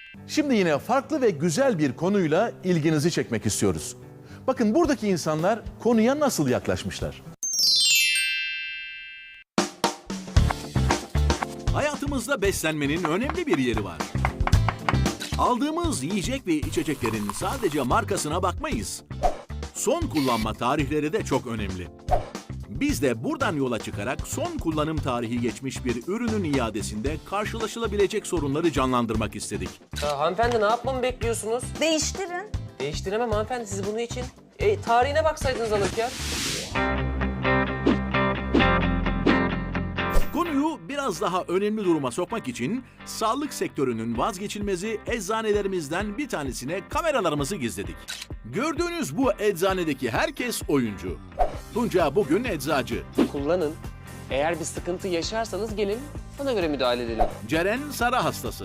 Şimdi yine farklı ve güzel bir konuyla ilginizi çekmek istiyoruz. Bakın buradaki insanlar konuya nasıl yaklaşmışlar. Hayatımızda beslenmenin önemli bir yeri var. Aldığımız yiyecek ve içeceklerin sadece markasına bakmayız. Son kullanma tarihleri de çok önemli. Biz de buradan yola çıkarak son kullanım tarihi geçmiş bir ürünün iadesinde karşılaşılabilecek sorunları canlandırmak istedik. Hanımefendi ne yapmamı bekliyorsunuz? Değiştirin. Değiştiremem hanımefendi siz bunun için. Tarihine baksaydınız alırken. Konuyu biraz daha önemli duruma sokmak için sağlık sektörünün vazgeçilmezi eczanelerimizden bir tanesine kameralarımızı gizledik. Gördüğünüz bu eczanedeki herkes oyuncu. Tunca bugün eczacı. Kullanın. Eğer bir sıkıntı yaşarsanız gelin ona göre müdahale edelim. Ceren Sara hastası.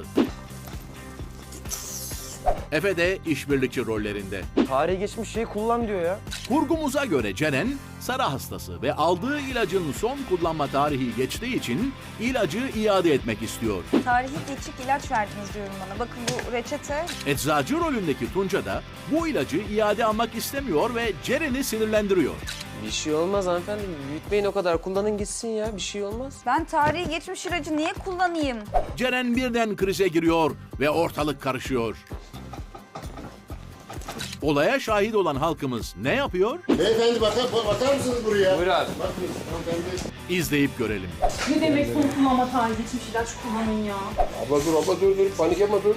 Efe de işbirlikçi rollerinde. Tarihi geçmiş şeyi kullan diyor ya. Kurgumuza göre Ceren, Sara hastası ve aldığı ilacın son kullanma tarihi geçtiği için ilacı iade etmek istiyor. Tarihi geçik ilaç verdiniz diyorum bana. Bakın bu reçete. Eczacı rolündeki Tunca da bu ilacı iade almak istemiyor ve Ceren'i sinirlendiriyor. Bir şey olmaz hanımefendi. Büyütmeyin o kadar. Kullanın gitsin ya. Bir şey olmaz. Ben tarihi geçmiş ilacı niye kullanayım? Ceren birden krize giriyor ve ortalık karışıyor. Olaya şahit olan halkımız ne yapıyor? Beyefendi bakar mısınız buraya? Buyur abi. Bakın hanımefendi. İzleyip görelim. Ne demek son kullanma tarihi geçmiş ilaç kullanın ya? Abla dur. Panik yapma dur.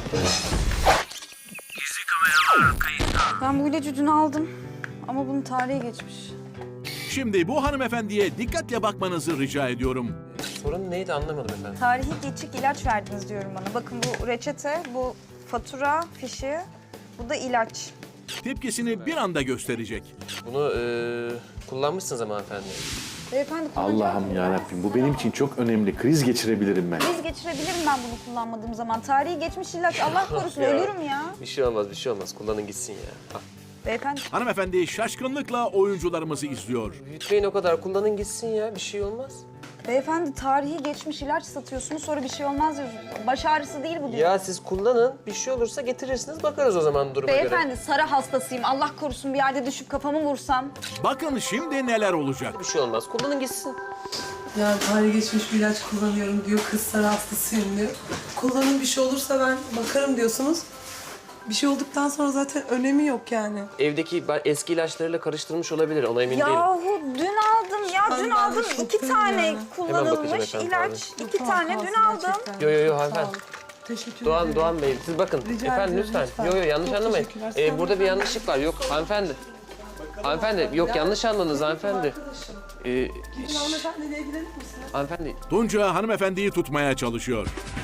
Ben bu ilacı dün aldım. Ama bunun tarihi geçmiş. Şimdi bu hanımefendiye dikkatle bakmanızı rica ediyorum. Sorun neydi anlamadım efendim. Tarihi geçik ilaç verdiniz diyorum bana. Bakın bu reçete, bu fatura fişi, bu da ilaç. Tepkisini bir anda gösterecek. Bunu kullanmışsınız ama hanımefendi. Beyefendi kullanacağım. Allah'ım yarabbim bu benim için çok önemli. Kriz geçirebilirim ben. Kriz geçirebilirim ben bunu kullanmadığım zaman. Tarihi geçmiş ilaç. Allah korusun ölürüm ya. Bir şey olmaz. Kullanın gitsin ya. Al. Beyefendi. Hanımefendi şaşkınlıkla oyuncularımızı izliyor. Büyütmeyin o kadar. Kullanın gitsin ya. Bir şey olmaz. Beyefendi tarihi geçmiş ilaç satıyorsunuz sonra bir şey olmaz diyorsunuz. Baş ağrısı değil bu diyor. Ya siz kullanın. Bir şey olursa getirirsiniz. Bakarız o zaman duruma göre. Beyefendi sarı hastasıyım. Allah korusun bir yerde düşüp kafamı vursam. Bakın şimdi neler olacak. Bir şey olmaz. Kullanın gitsin. Yani tarihi geçmiş bir ilaç kullanıyorum diyor, kız sarı hastasıyım diyor. Kullanın bir şey olursa ben bakarım diyorsunuz. Bir şey olduktan sonra zaten önemi yok yani. Evdeki eski ilaçlarıyla karıştırmış olabilir. Ona emin değilim. Yahu dün aldım ya Ben dün de aldım. çok 2 tane yani. Hemen bakacağım kullanılmış efendim, ilaç. Yok, 2 tane kalsın dün aldım. gerçekten. Yo Sağ hanımefendi. olun. Teşekkür Doğan ederim. Bey siz bakın. Rica Efendim ederim, lütfen. lütfen. Yo yanlış Çok anlamayın. teşekkürler. Sen Burada bir de- yanlışlık var. Yok hanımefendi. Hanımefendi yok yanlış anladınız hanımefendi. Arkadaşım. Ee, Gidin hanımefendiyle ilgilenir misiniz? hanımefendi Tunca hanımefendiyi tutmaya çalışıyor.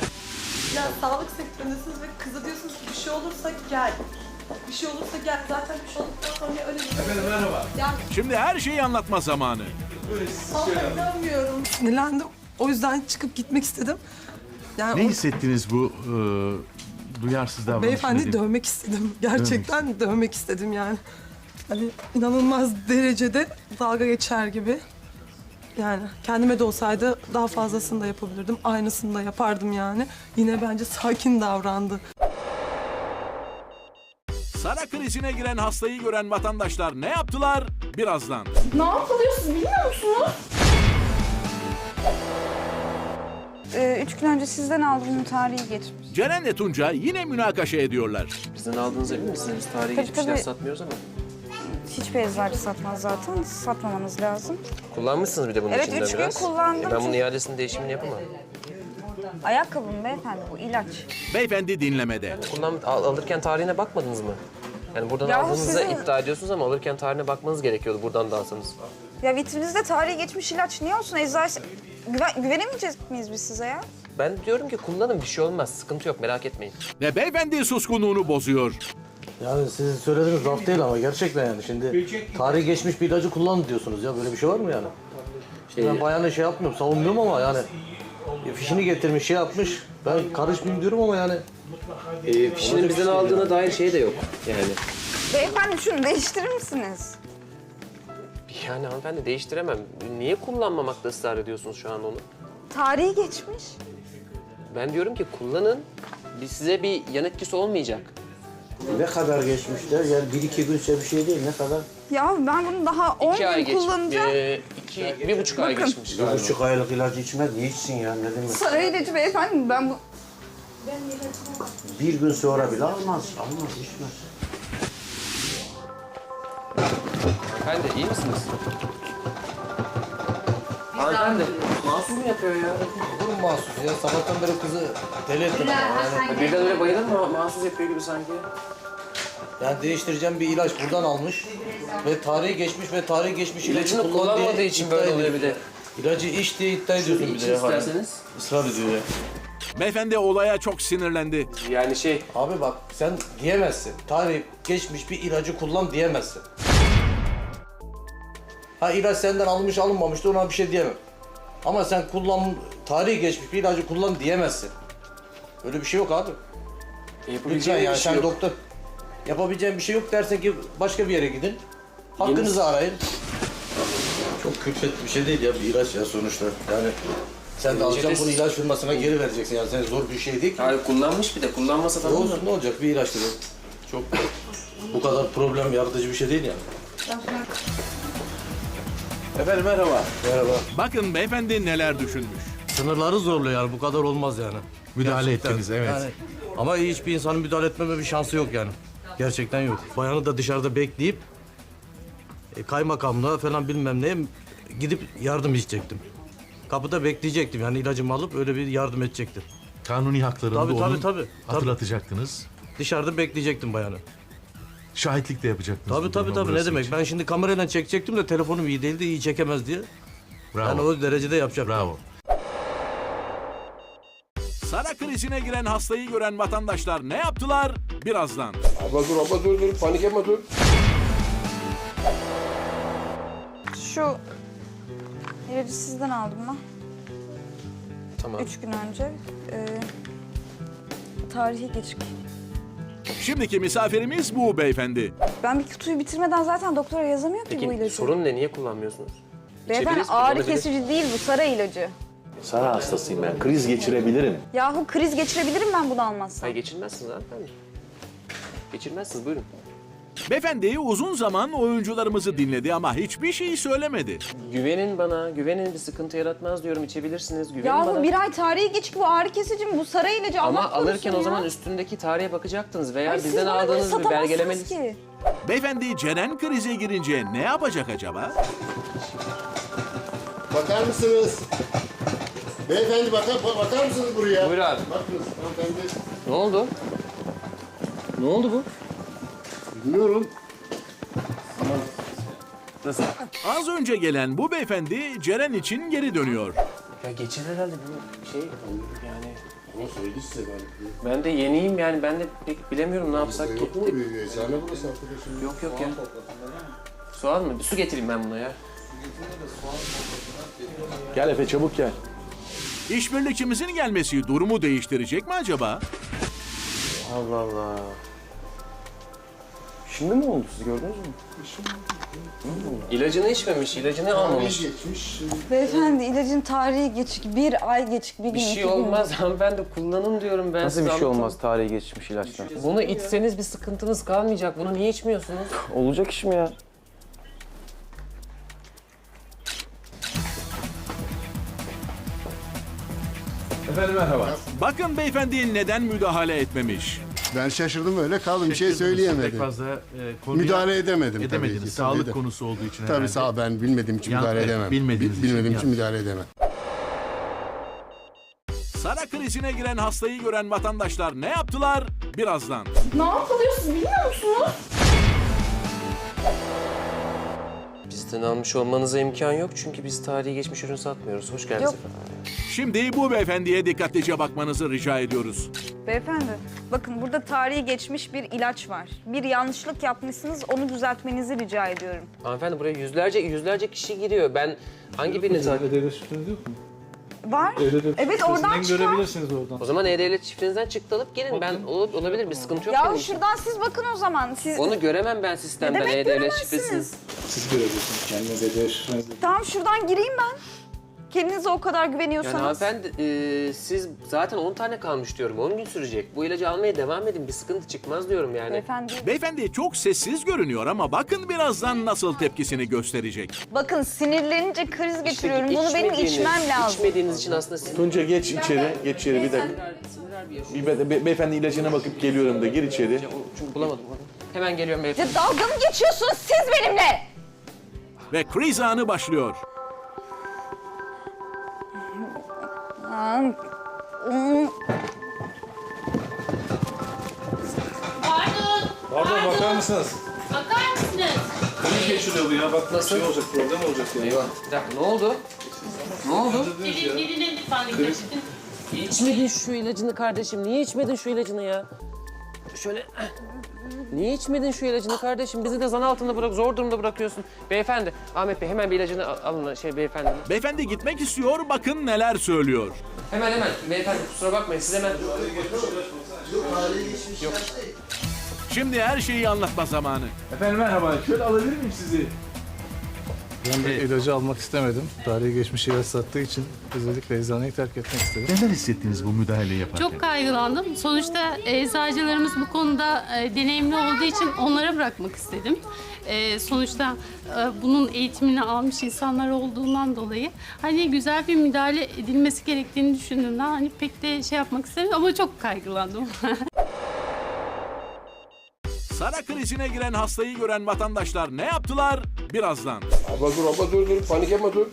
Ya sağlık sektöründesiniz ve kıza diyorsunuz ki bir şey olursa gel. Bir şey olursa gel. Zaten bir şey olduktan sonra öyle bir... Efendim merhaba. Ya Şimdi her şeyi anlatma zamanı. inanmıyorum. Sinirlendim. O yüzden çıkıp gitmek istedim. Yani Ne o- hissettiniz bu duyarsız davranış? Beyefendi dövmek istedim. Gerçekten dövmek istedim yani. Hani inanılmaz derecede dalga geçer gibi. Yani kendime de olsaydı daha fazlasını da yapabilirdim. Aynısını da yapardım yani. Yine bence sakin davrandı. Sara krizine giren hastayı gören vatandaşlar ne yaptılar? Birazdan. Ne yapılıyor siz bilmiyor musunuz? 3 gün önce sizden aldım bunun tarihi geçmiş. Ceren'le Tunca yine münakaşa ediyorlar. bizden aldığınıza emin misiniz? Biz tarihi Tabii, geçmişler tabii. satmıyoruz ama. Hiçbir eczacı satmaz zaten. Satmamanız lazım. Kullanmışsınız bir de bunun Evet, içinden 3 gün biraz. kullandım Ben bunun çünkü- iadesinin değişimini yapamam. Ayakkabım beyefendi bu ilaç. Beyefendi dinlemede. Alırken tarihine bakmadınız mı? Yani buradan Yahu aldığınızda sizin- iddia ediyorsunuz ama alırken tarihine bakmanız gerekiyordu buradan da alsanız. Ya vitrinizde tarihi geçmiş ilaç niye olsun? Eczacı... güvenemeyecek miyiz biz size ya? Ben diyorum ki kullanın bir şey olmaz. Sıkıntı yok merak etmeyin. Ve beyefendi suskunluğunu bozuyor. Yani siz söylediğiniz laf değil ama gerçekten yani şimdi tarihi geçmiş bir ilacı kullan diyorsunuz ya böyle bir şey var mı yani? Ben bayanı şey yapmıyorum savunmuyorum ama yani fişini getirmiş şey yapmış ben karışmayayım diyorum ama yani. Fişinin bizden aldığına dair şey de yok yani. Beyefendi şunu değiştirir misiniz? Yani hanımefendi değiştiremem. Niye kullanmamakta ısrar ediyorsunuz şu an onu? Tarihi geçmiş. Ben diyorum ki kullanın. size bir yan etkisi olmayacak. Ne kadar geçmişler? Yani 1-2 günse bir şey değil. Ne kadar? Ya ben bunu daha 10 2 ay gün kullanacağım. 1,5 ay geçmiş galiba. 1,5 aylık ilacı içmez. Niye içsin ya? Ne demek? Saray ilacı beyefendi, ben bu... Bir gün sonra bile almaz. Almaz, içmez. Hanımefendi iyi misiniz? Hanımefendi mahsus yapıyor ya? Olur mu mahsus ya? Sabahtan beri kızı deli ettin ama yani. Birden öyle bayılır mı? Mahsus yapıyor gibi sanki. Yani değiştireceğim bir ilaç buradan almış. Ve tarihi geçmiş ilacı İlacını kullandığı kullanmadığı için iddia böyle oluyor ediyor. bir de. İlacı iç diye iddia ediyorsun bir de İçin ya. isterseniz. Israr ediyor ya. Beyefendi olaya çok sinirlendi. Yani Abi bak sen diyemezsin. Tarih geçmiş bir ilacı kullan diyemezsin. Ha ilaç senden alınmış alınmamıştır ona bir şey diyemem. Ama sen tarihi geçmiş bir ilacı kullan diyemezsin. Öyle bir şey yok abi. Lütfen yapabileceğim yani bir şey sen yok. doktor. Yapabileceğin bir şey yok dersen ki başka bir yere gidin. Hakkınızı arayın. Çok külfetli bir şey değil ya bir ilaç ya sonuçta. Yani sen de alacaksın bunu ilaç firmasına geri vereceksin yani sen zor bir şey değil ki. Hayır kullanmış bir de kullanmasa tamam mı? Olsun ne olacak bir ilaçtır o. Çok bu kadar problem yaratıcı bir şey değil yani. Efendim merhaba. Merhaba. Bakın beyefendi neler düşünmüş. Sınırları zorluyor yani bu kadar olmaz yani. Müdahale Gerçekten. ettiniz, evet. Yani, ama hiçbir insanın müdahale etmeme bir şansı yok yani. Gerçekten yok. Bayanı da dışarıda bekleyip kaymakamlığa falan bilmem neye gidip yardım isteyecektim. Kapıda bekleyecektim yani ilacımı alıp öyle bir yardım edecektim. Kanuni haklarını Tabii, da tabii, onun tabii. hatırlatacaktınız. Dışarıda bekleyecektim bayanı. Şahitlik de yapacaktınız. Tabii bu tabii duruma tabii ne burası demek. için. Ben şimdi kamerayla çekecektim de telefonum iyi değildi, iyi çekemez diye. Bravo. Yani o derecede yapacaktım. Bravo. Sara krizine giren hastayı gören vatandaşlar ne yaptılar? Birazdan. Abla dur, panik yapma dur. Şu ilacı sizden aldım ben. Tamam. 3 gün önce. Tarihi geçik. Şimdiki misafirimiz bu beyefendi. Ben bir kutuyu bitirmeden zaten doktora yazamıyor ki bu Peki ilacı. sorun ne? Niye kullanmıyorsunuz? Beyefendi İçebiliriz, ağrı kullanabilir. kesici değil bu, saray ilacı. Sara hastasıyım ben. Kriz geçirebilirim. Yahu kriz geçirebilirim ben bunu almazsam. Hayır geçirmezsiniz hanımefendi. Geçirmezsiniz buyurun. Beyefendi uzun zaman oyuncularımızı dinledi ama hiçbir şey söylemedi. Güvenin bana, güvenin bir sıkıntı yaratmaz diyorum içebilirsiniz. Güvenin Yahu bana. bir ay tarihi geçik bu ağrı kesici mi? Bu saray ilacı Ama Allah korusun alırken o ya. zaman üstündeki tarihe bakacaktınız veya Ay, siz bizden bana bunu aldığınız bir satamazsınız belgelemeniz. ki. Beyefendi Ceren krize girince ne yapacak acaba? Bakar mısınız? Beyefendi bakar mısınız buraya? Buyur abi. Bakınız hanımefendi. Ne oldu? Ne oldu bu? Bilmiyorum. Nasıl? Az önce gelen bu beyefendi Ceren için geri dönüyor. Ya geçer herhalde bu şey yani. Ama söyledi size galiba. Ben de yeniyim yani ben de pek bilemiyorum ne yapsak ki. Yok mu? Eczane burası arkadaşım. Yok ya. Soğan mı? Bir su getireyim ben buna ya. Gel Efe çabuk gel. İşbirlikçimizin gelmesi durumu değiştirecek mi acaba? Allah Allah. Şimdi mi oldu siz gördünüz mü? İlacını içmemiş, ilacını Tarihi almamış. geçmiş. Beyefendi ilacın tarihi geçik. Bir ay geçik, bir gün, Bir iki şey gün. olmaz hanımefendi kullanın diyorum ben Nasıl size bir şey anlatamam. olmaz tarihi geçmiş ilaçtan? Bunu içseniz bir sıkıntınız kalmayacak. Bunu niye içmiyorsunuz? Olacak iş mi ya? Efendim merhaba. Bakın beyefendi neden müdahale etmemiş. Ben şaşırdım öyle kaldım. Bir şey Pek söyleyemedim. fazla konuya Müdahale edemedim tabii edemediniz. ki. Sağlık Tabii. konusu olduğu için Tabii herhalde. sağ ol, ben bilmediğim için Yan- müdahale evet, edemem. bilmediğiniz için Bilmediğim için yan- müdahale edemem. Sara krizine giren hastayı gören vatandaşlar ne yaptılar? Birazdan. Ne yapılıyor siz bilmiyor musunuz? Bizden almış olmanıza imkan yok çünkü biz tarihi geçmiş ürün satmıyoruz. Hoş geldiniz Yok. efendim. Şimdi bu beyefendiye dikkatlice bakmanızı rica ediyoruz. Beyefendi, bakın burada tarihi geçmiş bir ilaç var. Bir yanlışlık yapmışsınız, onu düzeltmenizi rica ediyorum. Hanımefendi buraya yüzlerce kişi giriyor. Ben hangi birini takip Var. Evet, oradan çıkar. O zaman E-Devlet çiftinizden çıktı alıp gelin. Ben olabilir bir sıkıntı yok Ya benim için. şuradan siz bakın o zaman. Siz Onu göremem ben sistemden demek E-Devlet şifresini. göremezsiniz? Tamam şuradan gireyim ben. Kendinize o kadar Yani güveniyorsanız. hanımefendi siz zaten 10 tane kalmış diyorum. 10 gün sürecek. Bu ilacı almaya devam edin. Bir sıkıntı çıkmaz diyorum yani. Beyefendi. Beyefendi çok sessiz görünüyor ama bakın birazdan nasıl tepkisini gösterecek. Bakın sinirlenince kriz İşte geçiriyorum. Bunu benim içmem lazım. İçmediğiniz için aslında siz... Tunca geç içeri, geç içeri bir dakika. Beyefendi ilacına bakıp geliyorum da gir içeri. Çünkü bulamadım. Hemen geliyorum beyefendi. Ya dalga mı geçiyorsunuz siz benimle? Ve kriz anı başlıyor. Pardon bakar mısınız? Bakar mısınız? Kriz geçiriyor bu ya. Bak nasıl olacak, problem olacak ya. Eyvah. Bir dakika ne oldu? Ne oldu? Birine lütfen dikkat edin. İçmedin şu ilacını kardeşim. Niye içmedin şu ilacını ya? Şöyle... Niye içmedin şu ilacını kardeşim? Bizi de zan altında bırak, zor durumda bırakıyorsun. Beyefendi, Ahmet Bey hemen bir ilacını alın beyefendi. Beyefendi gitmek istiyor, bakın neler söylüyor. Hemen beyefendi kusura bakmayın siz hemen... Şimdi her şeyi anlatma zamanı. Efendim merhaba. Şöyle alabilir miyim sizi? Ben de ilacı almak istemedim. Tarihi geçmiş ilaç sattığı için özellikle eczaneyi terk etmek istedim. Neler hissettiniz bu müdahaleyi yaparken? Çok kaygılandım. Sonuçta eczacılarımız bu konuda deneyimli olduğu için onlara bırakmak istedim. Sonuçta bunun eğitimini almış insanlar olduğundan dolayı hani güzel bir müdahale edilmesi gerektiğini düşündüğümden hani pek de şey yapmak istemedim ama çok kaygılandım. Sara krizine giren hastayı gören vatandaşlar ne yaptılar? Birazdan. Abla dur. Panik yapma dur.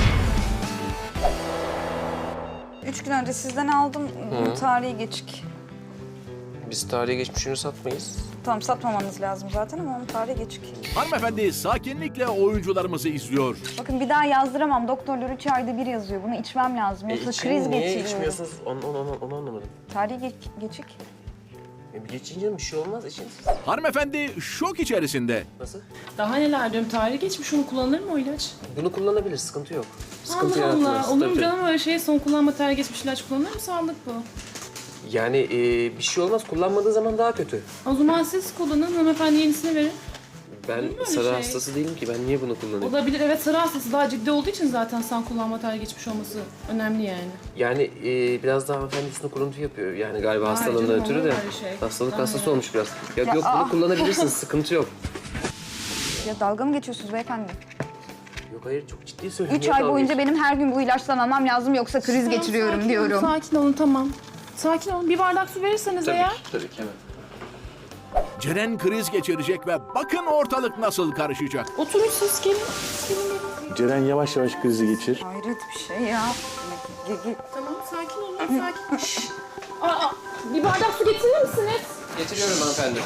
3 gün önce sizden aldım. Tarihi geçik. Biz tarihe geçmiş ürünü satmayız. Tamam satmamanız lazım zaten ama onun tarihi geçik. Hanımefendi sakinlikle oyuncularımızı izliyor. Bakın bir daha yazdıramam. Doktorlar 3 ayda bir yazıyor. Bunu içmem lazım. Yoksa kriz Niye geçiriyorum. içmiyorsunuz? Onu anlamadım. Tarihi geçik. Geçince bir şey olmaz için. Hanımefendi şok içerisinde. Nasıl? Daha neler diyorum tarihi geçmiş onu kullanılır mı o ilaç? Bunu kullanabilir, sıkıntı yok. Sıkıntı Allah yaratmaz. Allah. Olur mu Tabii. canım öyle şey son kullanma tarihi geçmiş ilaç kullanılır mı? Sağlık bu. Yani bir şey olmaz, kullanmadığı zaman daha kötü. O zaman siz kullanın hanımefendi yenisini verin. Ben öyle sarı şey? hastası değilim ki, ben niye bunu kullanayım? Olabilir evet sarı hastası daha ciddi olduğu için zaten sen kullanma tarihi geçmiş olması önemli yani. Yani biraz daha hanımefendi üstüne kuruntu yapıyor. Yani galiba Hayır hastalığından canım, ötürü olur de. mu öyle şey? Hastalık Tamam hastası ya. olmuş biraz. Yok bunu kullanabilirsiniz, sıkıntı yok. Ya dalga mı geçiyorsunuz beyefendi? Yok hayır, çok ciddi söylüyorum. 3 ay boyunca benim her gün bu ilaçtan almam lazım yoksa kriz geçiriyorum Sakin diyorum. Olun, sakin olun tamam. Sakin olun. Bir bardak su verirseniz eğer. Tabii ki hemen. Ceren kriz geçirecek ve bakın ortalık nasıl karışacak. Oturun siz gelin. Ceren yavaş yavaş krizi geçir. Hayret bir şey ya. Tamam sakin olun sakin. Şşş. Aa, bir bardak su getirir misiniz? Getiriyorum hanımefendi.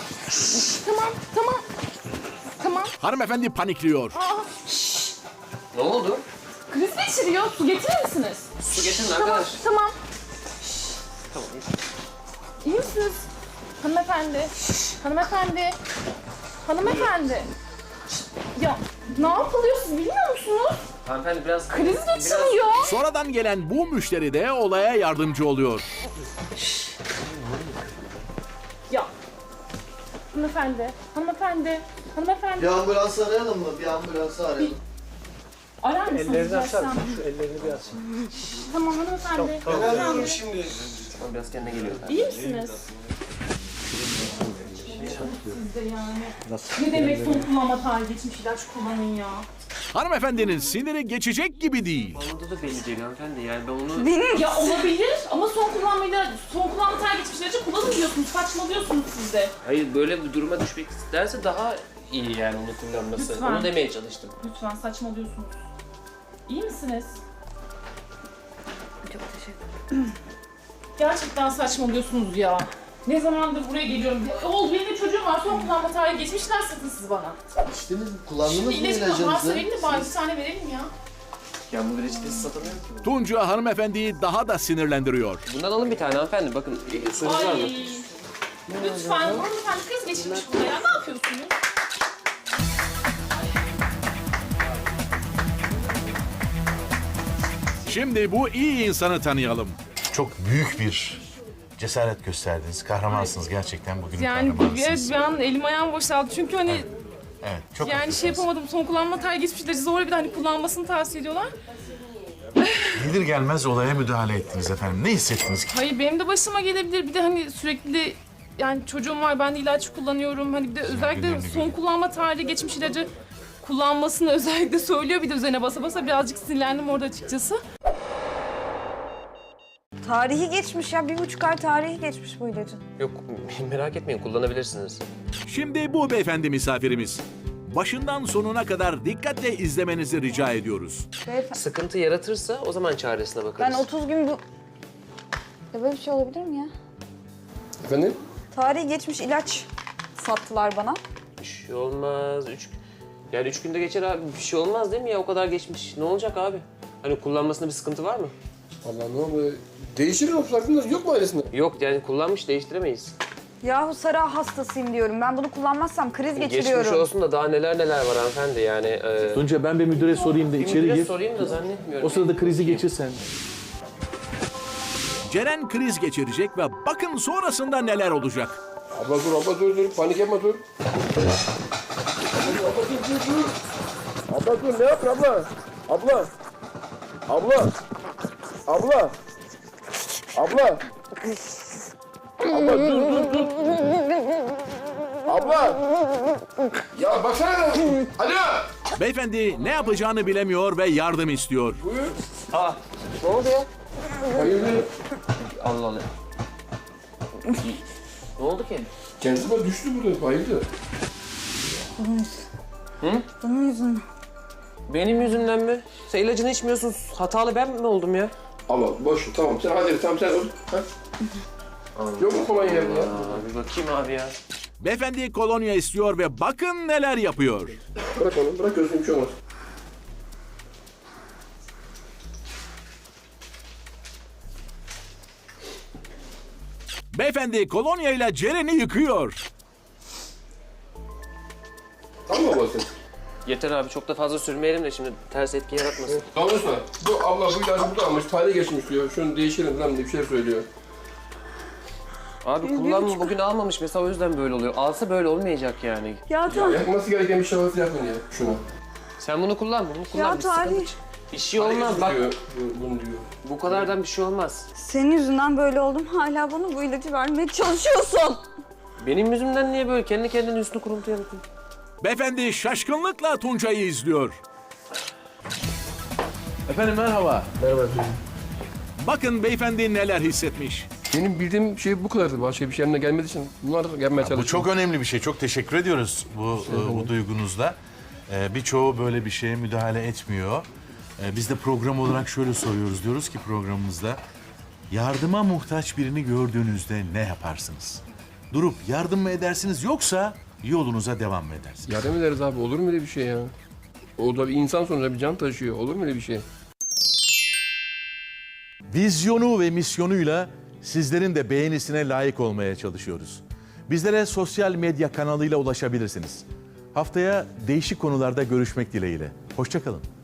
Tamam. Hanımefendi panikliyor. Ne oldu? Kriz geçiriyor. Su getirir misiniz? Su getirin arkadaş. Tamam. Tamam. İyi misiniz? Hanımefendi. Hanımefendi. Ya ne yapılıyor siz bilmiyor musunuz? Hanımefendi biraz... Kriz geçiriyor. Sonradan gelen bu müşteri de olaya yardımcı oluyor. Ya. Hanımefendi. Bir ambulans arayalım mı? Bir ambulans arayalım. Arar mısınız? Ellerini açar mısın? Şu ellerini bir aç. Tamam hanımefendi. Arayalım şimdi. Tamam, biraz kendine geliyor. İyi misiniz? Siz de yani. Ne demek son kullanma tarihi geçmiş ilaç kullanın ya. Hanımefendinin siniri geçecek gibi değil. Onda da belli değil hanımefendi. Yani ben onu... Ya olabilir ama son kullanma tarihi geçmiş ilacı kullanın diyorsunuz. Saçmalıyorsunuz siz de. Hayır, böyle bir duruma düşmek isterse daha iyi yani onu kullanması. Lütfen. Onu demeye çalıştım. Lütfen saçmalıyorsunuz. İyi misiniz? Çok teşekkür ederim. Gerçekten saçmalıyorsunuz ya. Ne zamandır buraya geliyorum. Oğul benim de çocuğum var. Son kullanma tarihi geçmişler satın siz bana. İçtiniz mi? Kullandınız mı İlacı varsa ilacınızı? verin de bari bir tane verelim ya. Ya bu reçetesi satamıyorum ki. Tunca hanımefendiyi daha da sinirlendiriyor. Bundan alın bir tane hanımefendi. Bakın suyunuz var mı? Ay. Lütfen hanımefendi kriz geçirmiş burada ya. Ne yapıyorsunuz? Şimdi bu iyi insanı tanıyalım. Çok büyük bir cesaret gösterdiniz. Kahramansınız gerçekten bugünün Yani kahramansınız. bir an elim ayağım boşaldı. Çünkü hani Evet, çok yani haklısınız. şey yapamadım. Son kullanma tarihi geçmiş ilacı zor bir de hani kullanmasını tavsiye ediyorlar. gelir gelmez olaya müdahale ettiniz efendim. Ne hissettiniz ki? Hayır benim de başıma gelebilir. Bir de hani sürekli yani çocuğum var, ben de ilaç kullanıyorum. Hani bir de özellikle günlerini son görüyorum. kullanma tarihi geçmiş ilacı kullanmasını özellikle söylüyor. Bir de üzerine basa basa birazcık sinirlendim orada açıkçası. Tarihi geçmiş ya. 1,5 ay tarihi geçmiş bu ilacın. Yok merak etmeyin kullanabilirsiniz. Şimdi bu beyefendi misafirimiz. Başından sonuna kadar dikkatle izlemenizi rica ediyoruz. Beyefendi, Sıkıntı yaratırsa o zaman çaresine bakarız. ben 30 gün bu... Ya böyle bir şey olabilir mi ya? Efendim? Tarihi geçmiş ilaç sattılar bana. Bir şey olmaz. Yani 3 günde geçer abi. Bir şey olmaz değil mi ya? O kadar geçmiş. Ne olacak abi? Hani kullanmasında bir sıkıntı var mı? Allah ne oldu? Değişir mi? Farkında yok mu ailesinde? Yok yani kullanmış değiştiremeyiz. Yahu Sara hastasıyım diyorum. Ben bunu kullanmazsam kriz geçiriyorum. Geçmiş olsun da daha neler var hanımefendi yani. Tunca ben bir müdüre sorayım da içeri Müdüre gir. sorayım da zannetmiyorum. O sırada krizi geçir sen. Ceren kriz geçirecek ve bakın sonrasında neler olacak. Abla dur. Panik yapma dur. Abla dur ne yapın abla? Abla. Abla. Abla. Abla. Abla dur. Abla. Ya baksana. Alo. Beyefendi ne yapacağını bilemiyor ve yardım istiyor. Ne oldu ya? Hayırdır? Allah Allah. Ne oldu ki? Kendisi bana düştü burada. Hayırdır? Bunun yüzünden. Benim yüzümden mi? Sen ilacını içmiyorsun. Hatalı ben mi oldum ya? Abla boş ver, tamam sen hadi tamam sen ol. Ha? Yok mu kolonya ya? Bir bakayım abi ya. Beyefendi kolonya istiyor ve bakın neler yapıyor. Bırak onu, bırak gözüm bir şey olmaz. Beyefendi kolonya ile Ceren'i yıkıyor. Tamam mı abla sen? Yeter abi çok da fazla sürmeyelim de şimdi ters etki yaratmasın. Anlıyorsun. Bu abla bu ilacı burada almış, tarihi geçmiş diyor. Şunu değiştirin falan diye bir şey söylüyor. Abi kullanma bugün almamış mesela o yüzden böyle oluyor. Alsa böyle olmayacak yani. Ya tamam. Yapması gereken bir şey varsa yapın ya şunu. Sen bunu kullan. Ya Bir tarih. sıkıntı bir şey olmaz bak. Diyor, bunu diyor. Bu kadardan bir şey olmaz. Senin yüzünden böyle oldum. Hala bana bu ilacı vermeye çalışıyorsun. Benim yüzümden niye böyle? Kendi kendine üstünü kuruntu yaratın. Beyefendi şaşkınlıkla Tuncay'ı izliyor. Efendim merhaba. Merhaba. Bakın beyefendi neler hissetmiş. Benim bildiğim şey bu kadardı. Başka bir şey elimden gelmediği için bunlar gelmeye çalışıyor. Bu çok önemli bir şey. Çok teşekkür ediyoruz bu duygunuzla. Birçoğu böyle bir şeye müdahale etmiyor. Biz de program olarak şöyle soruyoruz. Diyoruz ki programımızda yardıma muhtaç birini gördüğünüzde ne yaparsınız? Durup yardım mı edersiniz yoksa yolunuza devam mı edersiniz? Yardım ederiz abi. Olur mu öyle bir şey ya? O da bir insan sonuçta bir can taşıyor. Olur mu öyle bir şey? Vizyonu ve misyonuyla sizlerin de beğenisine layık olmaya çalışıyoruz. Bizlere sosyal medya kanalıyla ulaşabilirsiniz. Haftaya değişik konularda görüşmek dileğiyle. Hoşça kalın.